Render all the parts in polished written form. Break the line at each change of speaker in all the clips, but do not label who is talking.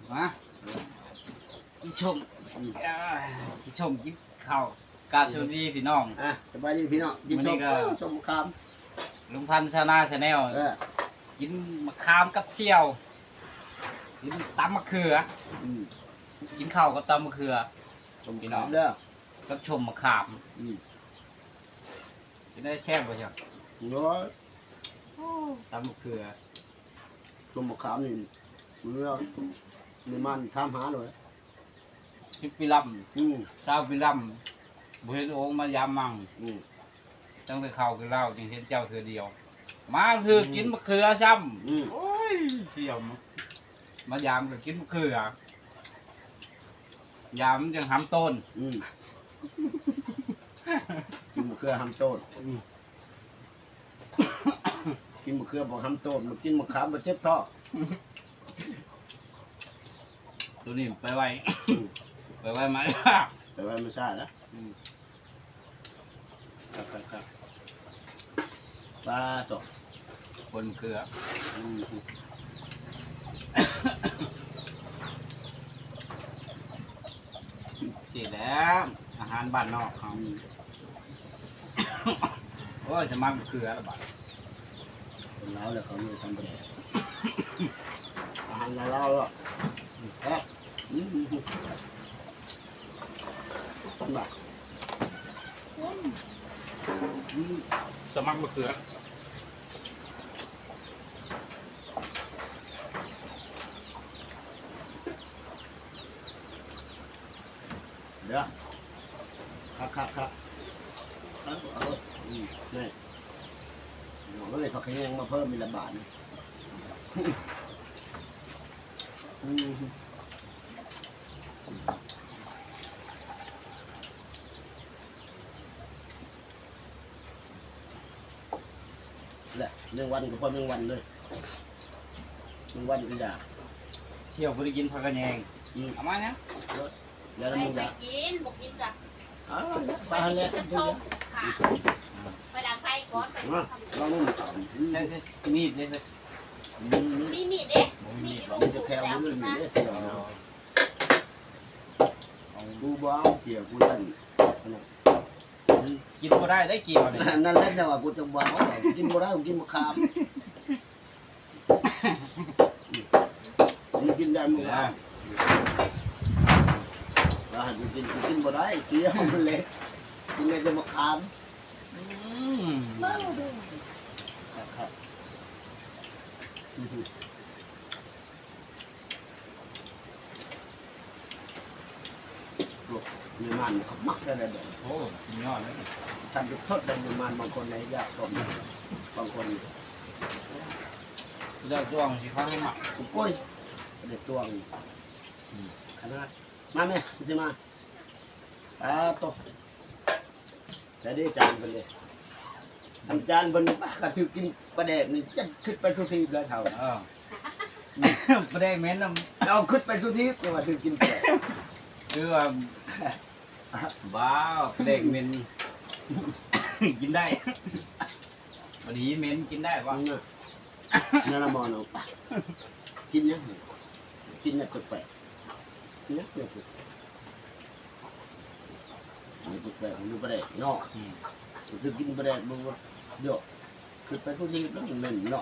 มากินชมกินชมกินข้าวกาสวัสดีพี่น้อง
สบายดีพี่น้องกินชมชมค
ลุงพันธ์ชานาชาแนลกินมะขามกับเชี่ยวกินตำมะเขือกินข้าวกับตำมะเขือ
ชมพี่น้องเด้อ
กับชมมะขามกินได้แช่บ่จ้ะ
น้อย
ตำมะเขือ
ชมมะขามนี่เมื่อมีมันทำหาเลย
คิดปิลัมซาปิลัมบุเห็นโอ่งมายามมังตั้งแต่เข้าคือเล่าจึงเห็นเจ้าเธอเดียวมาคือกินมะเขือซ้ำโอ้ยเที่ยวมายามก็กินมะเขือยามจังหำต้น
กินมะเขือหำต้นกินมะเขือบอกหำต้นมากินมะขามมาเจ็บท้อ
ตัวนี้ไปไว้ไปไว้ไหม
ไปไว้ไม่ใช่แล้วครับปลาตก
คนเกลือสิแล้วอาหารบ้านนอกเขาโอ้ยจะมักเกลือละบาด
คนเราเลยเขาไม่ทำแบบอาหารเราหรอกแค่บ้า
สมัครมะเขือ
เดี๋ยวครับนี่ก็เลยเขาแข่งมาเพิ่มมีละบาทนี่แหละเรื่องวันก็พอเรื่องวันเลยเรื่องวันก็อยาก
เที่ยวไปกินผักกระแยงเอามาเนี่ย
แล้วมึงอยาก
กินบอกกินจ้ะ
ไปหันแล้วกันทุกอย่าง
ไปดังไฟก่อน
ลองนู่น
ใช่มีดเลย
มีมีดเด้มีด
มันจะแค่มันมีเกี่ยวดูบ้าเกี่ยวกูนั่น
กินก็ได้ได้เกี่ยวเลย
นั่นแหละแต่ว่ากูจะบ้ากินก็ได้กูกินมะขามนี่กินได้มั้งกินบ่ได้เกี่ยวมันเล็กกินได้แต่มะขามมาดูครับมีมันเขามักได้เลย
โอ้ยอดเลย
ทำจุดทดได้มีมันบางคนในยากสมบางคน
เลือกดวงสิเขาให้หมัก
กุ้ยเด็ดดวงขนาดมาไหมใช่ไหมโตแต่ได้จานเป็นเลยทำจานบนกระถือกินปลาแดกนี่จะขึ้นไปทุกทีเลยเท่า
ปลาแดกเหม็น
เอาขึ้นไปทุกทีแต่ว่าถือกินปลา
คือว่าบ้าปลาแดกเหม็นกินได้พอดีเหม็นกินได้ปะ
นั่นละมอนเอากินเนี่ยกินเนี่ยแปลกเนี่ยแปลกนี่แปลกดูปลาแดกเนาะคือกินปลาแดกมันเยอะขึ้นไปทุกทีแล้วมันเหม็นเนาะ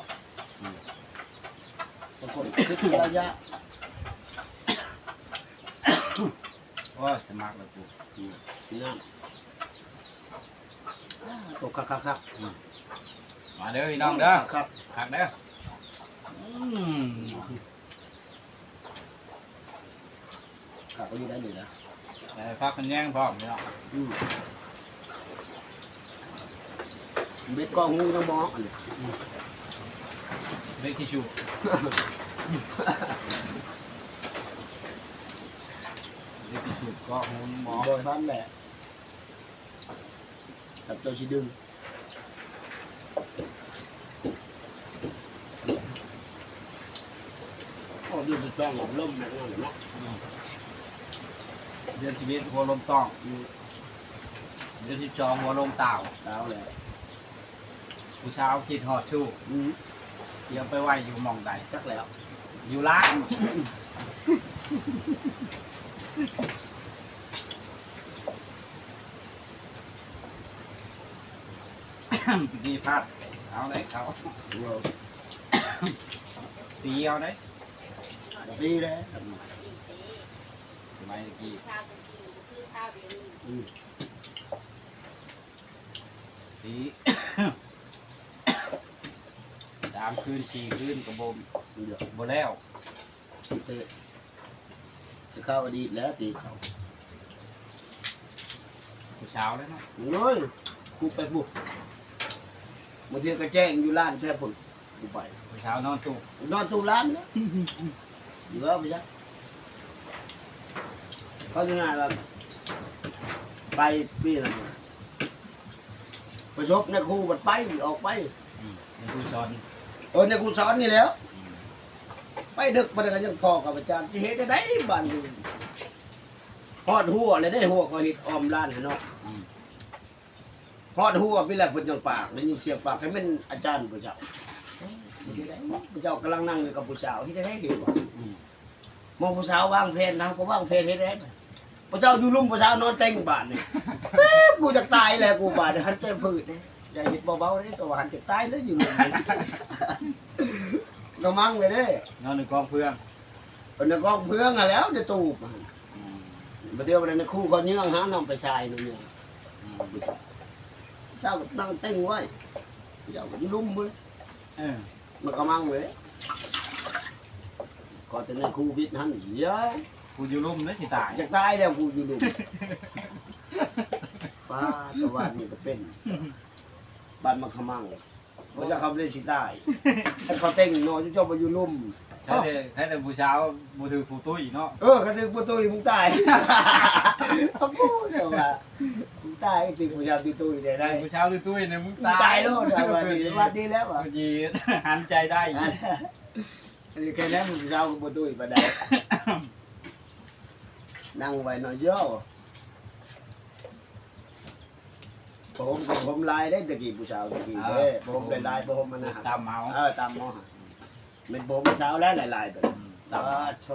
บางคนขึ้นระยะ
โอ้ยสมัครแล้วกู
น้ำตกครับ
มาเด้อพี่น้องเด้อ
ครับ
หักเด้อ
ขับไปอยู่ได้เลยนะ
พักกันแย่งพร้อมพี่น้อง
เบ็ดกองงูต้องมองอันนี้
เบ็ดทิชชูเบ็ดทิชชูก็งูมอง
โดยพันแหละกับตัวชีดึงโอ้ดูจะจ้องหลบล่มแบบนั้นเนาะ
เดือนชีวิตหัวลมต้องเดือนที่จองหัวลมเต่า
เลย
ผู้เช้าคิดหอดชู่เสียไปไหวอยู่มองใด
จักแล้ว
อยู่ร้านดีพลาดเอาได้เขาตีเอาได้
ดีแล้ว
ดีเต้
สมัยตะกี้
ข้าวตะกี้คือข้าวเดี๋ยวนี้
ตี 3 คืน 4 คืนกระบม
เดี๋ยว
บ่แล้ว
จะเข้าอดีตแล้วตีเขา
ผู้เช้าแล้วเนาะ
โอ้ยกูไปบุกบางทีก็แจ้งอยู่ร้านแช่ผลกูไป
ผู้เช้านอนจุก
นอนสู่ร้านเนี่ยอยู่แล้วไปจ้ะเขาจะงานแบบไปปีนั้นประชบในครูบัดไปออกไป
เป็นผู้สอน
ในครูสอนนี่แล้ว ไปดึกมาได้ก็ยังพอกับอาจารย์จะเห็นได้บ้านอยู่ฮอดหัวเลยได้หัวก็เห็ดออมร้านเนาะ
อืม
ฮอดหัวพี่แหละเพิ่นจังปากได้ยินเสียงปากให้เป็นอาจารย์ผู้เจ้าผู้เจ้ากำลังนั่งอยู่กับผู้สาวที่ได้เห็นบ่
อืม
มองผู้สาววางเพลนนะก็วางเพลนเฮ็ดได้ผู้เจ้าอยู่ลุ่มผู้สาวนอนเต็งบาดนี่กูจะตายแล้วกูบาดหันใจพืดเด้อย่าเฮ็ดเบาๆเด้ตัวหันจะตายแล้วอยู่ลุ่มนี่ก็มั่งเลยเด้
นอนในกองเพื่อน
เพิ่นก็เพื่องอะแล้วเด้ตูบ
อืม
บ่เดียวบ่ได้ในคู่เขาเยื่องหาน้ำไปชายนู่นเนี่ย
อืม
เช้าก็นั่งเต็งไว้เดี๋ยวมันลุ่มเว้ย
เออ
มันก็มั่งเลยก็แต่ในคู่วิทย์หันเดี๋ยว
กูอยู่ลุ่มแล้วสิตาย
จะตายแล้วกูอยู่ลุ่มป้าตะวันนี่ก็เป็นบ้านมันขมังเขาจะขับเล่นสิตายให้เขาเต็งนอนเจ้าไปอยู่ลุ่ม
ให้แต่ผู้เช้าบ่ถือผู้ตุ้ยเนาะ
เขาถึงประตูมึงตายเขาพูดเดี๋ยวว่ามึงตายจริงพยายามตีตู้ได้ได้
ผู้เช้าตุ้ยเนี่ยมึง
มึงตายแล้วเดี๋ยววันดีแล้วอ่ะ
กูจีหันใจได้อีก
อันนี้แค่นั้นมึงเช้ากับประตูมาได้นั่งไว้หน่อยเยอะผมลายได้ตะกี้ผู้สาวตะกี้เด้ผมเป็นลายผมมันนะ
ตามเมา
ตามหมอเป็นผมเช้าแล้วลายๆแบบตาโช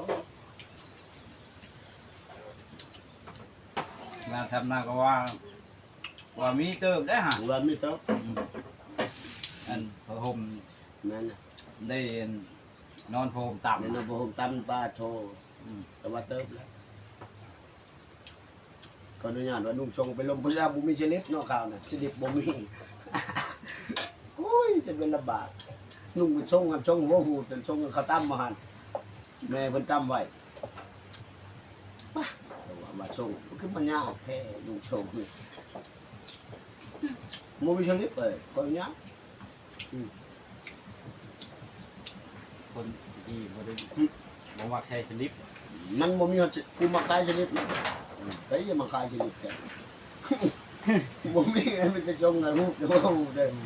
งานทำนาก็ว่ามีเติมได้ฮะ
ว่าไม่ต้อง
อันพระห่ม
นั่น
ได้นอนพระห่มต่ำ
ในนผมตั้มปลาโชแต่ว่าเติมแล้วก็อนุญาตว่านุ่งชงไปลมผู้ชายบุมีชลิปนอกข่าวน่ะชลิปบุมีอุ้ยจะเป็นลำบากนุ่งชงกับชงหัวหูจนชงเขาตั้มมาหันแม่เพิ่นตั้มไว้ป่ะแต่ว่ามาชงคือมันยากแท้นุ่งชงนี่บุมีชลิปเลยก็ยาก
คนที่บ่ได้บ่ว่าใช้สลิป
มันบ่มีกูมาขายชลิปนะเฮ้ยอย่ามาขายชลิปแกบ่มีมันจะชงกับรูปเดี๋ยวหูเด้อ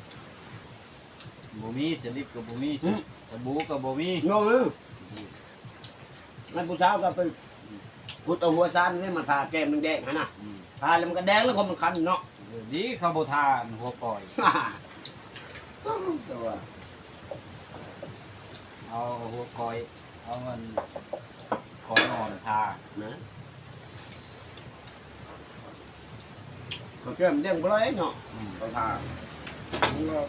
บ่มีสลิปก็บ่มีสบู่ก็บ่มี
โง่เลยนั่นผู้สาวก็ไปพุทธหัวซานนี่มาทาแก้มแดงๆฮะนะทาแล้วมันก็แดงแล้วก็มันคันเนาะ
ดีเขาบ่ทานหัวปล่อย
ตัว
เอาหัวคอยเอามันคอยนอนทา
นะก็แก้มแดงบ่ร้อยเนาะก็ทามันก็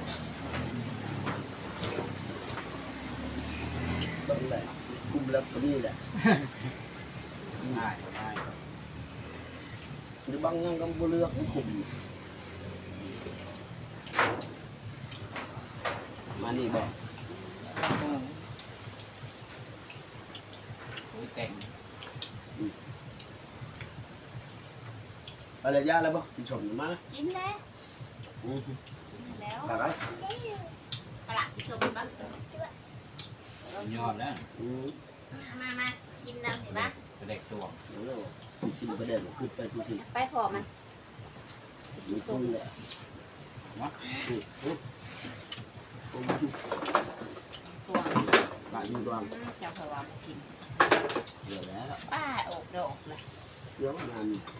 ต้องแหละคุมแล้วก็นี่แหละ
ง่ายง่าย
หรือบางยังก็บ่เลือกคุมมานี่บ่
โอ้ยแต่ง
อะไรยาแล้วบ่พี่ชมมา
กินแล้ว
อือ
กินแล้ว
ตาไร
ปลาที่ชมบ้าง
ยอดแล้ว
มาชิมน้ำเห็นปะ
เด็กตัว
แล้วกินไปได้ขึ้นไปทุกที
ไปพอมัน
มีซุ่มแหละ
เนาะ
ตัว
ปลาอยู่ดวง
เจ้าพะวากิน
เดี๋ยวแล้ว
ป้าอกดอกเลย
เดี๋ยวงาน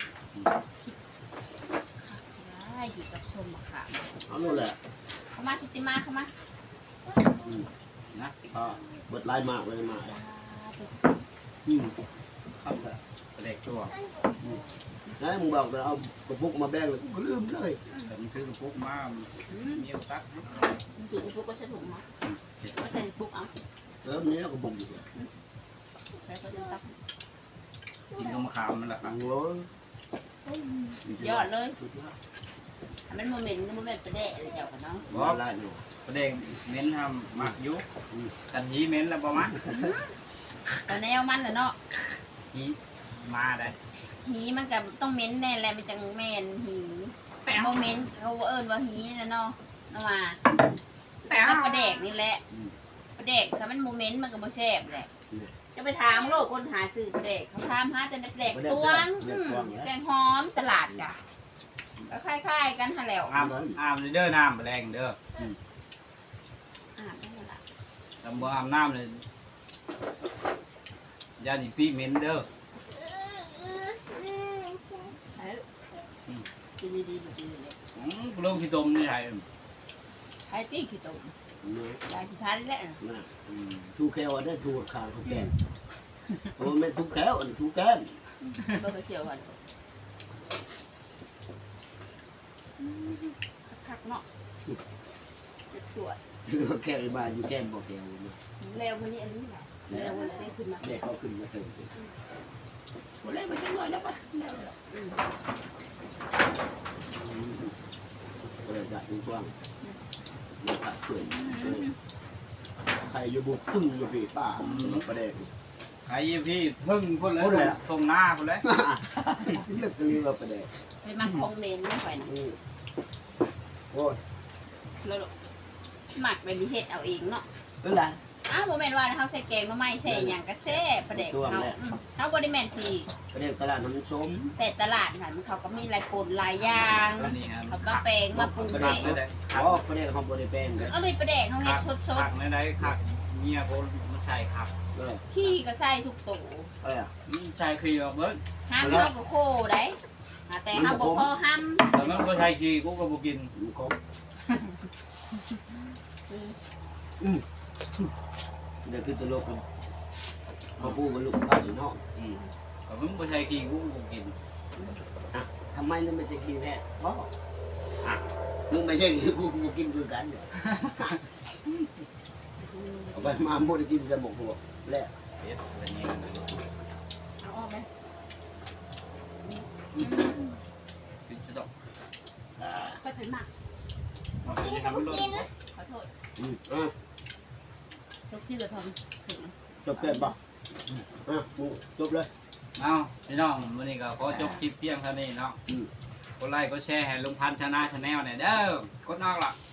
ได้อยู่กับชมมะขาม
เอาโน่นแหละ
เข้ามาทิติมาเข้ามา
นะ
เบิดลายมากเลยมาครับแต่
เด็กตัว
แล้วมึงบอกเราเอากระปุกมาแบ่งเลยกูก็ลืมเลย
แต่มันคือกระปุกมาเมียวตัก
ถือปุ๊กก็ใช้ถุงมาก็ใส่ปุ๊กเอา
แล้วนี้เราก็บุกอยู่
ใส่ก็จะตัก
กินก็มะขามมันแหละครับ
โอ้ย
ยอดเลยมันโมเมนต์ประเดะเลยเจ้ากันเนาะ
ว่าไรหนู
ประเด็นเม้นทำหมักยุกันหีเม้นแล้วประมาณ
แต่แนวมันน่ะเนาะ
หีมาได้
หีมันกับต้องเม้นแน่แหละมันจังแมนหีโมเมนต์เขาเอิ้นว่าหีนะเนาะเนาะมาแต่ก็ประเดกนี่แหละประเดกถ้ามันโมเมนต์มันก็บ่แซ่บแหละจะไปถามโลกคนหาซื้อประเดกเขาถามหาแต่ประเดกตวงแกงหอมตลาดกะก็คล้ายๆกันหั่นแหล้ว
อาบเด้อน้ำแรงเด้อ
นั่นแหละ
ทำบ่อาบน้ำเลยยาดิปีเม้นเด้อ
กินดีๆดีเลย
ลงขี้ตมนี่ไง
ไอ้ตี้ขี้ตุ่ม
เนี่ย
ยายขี้พันแล้ว
นะทูแก้วอันนี้ทูขาวทูแก้มโอ้ไม่ทูแก้วอันนี้ทูแก้ม
บ่ไปเชียวกันคักเนาะตรวจ
แก้วบ้านอยู่แก้มบ่แก้วนะ
แล้ววันนี้อันนี้แหละแล้ววันนี้ขึ้นมา
เด็กเขาขึ้นมาเติมวันแรกมันจะน้อยแล้วปะก็เลยจัดกว้างมาตัดเปลือกใครอยู่บุกพึ่งอยู่พี่ป้าประเด็น
ใครพี่พึ่งพุ่นเลยตรงหน้าพุ่นเลย
เลือกกันเรียกว่าประเด็น
ไปมาคอมเมนต์ไม่ค่อยนะ
โอ้ย
แล้วหมักแบบนี้เฮ็ดเอาเองเนาะ
เป็นไร
อ้าวโมเมนต์ว่าเขาใส่แกงหน่อไม้ใส่หยังก็แซ่ประเด็กเขาบริแมนที
ประเด็นตลาดน้ำส้ม
แต่ตลาดค่ะมันเขาก็มีหลายคนหลายอย่าง
อันนี้ครับ
เขาก็แปลงมาปรุง
ประ
เอ
เด็น
ง
เลย
อ๋อประเด็นเขาบริเป็นเลย
เอาเลยประเด็กเขาเฮ็ดสด
ขักในไหนขักเมียคนมันใช่ขัก
ๆขี้ก็ใส่ทุกตัว
อะไรอ่ะ
ใช่คือเบิ้ง
ห้ามเขาก็โคได้แต่เขาบอกพอห้าม
แต่มันก็ใช่คือกูก็บ่กิน
มันครบเดี๋ยวขึ้นตลกกันมาพูดกับลูกป้าอยู่นอก
แต่มันก็ใช่คือกูก็บ่กิน
ทำไมนั่นไม่ใช่ขี้แพะเพราะมึงไม่ใช่ขี้กูกูกินคือกันเนี่ยเอาไปมาโมได้กินจะหมกหัวแล้ว
เฮ็ดเป็นยัง
เอาออกไหม
กินจะดอก
ไปเป็นหมัก
กินให้มันลด
ขอโทษ
อ่ะ
ทุกที่ก็ทำถึง
จบเกินป่ะจบเลย
เอาพี่น้องวันนี้ก็ขอจบคลิปเพียงเท่านี้เนาะกดไลค์กดแชร์ให้ลุงพันธ์ชนะชาแนลหน่อยเด้อกดนอกล่ะ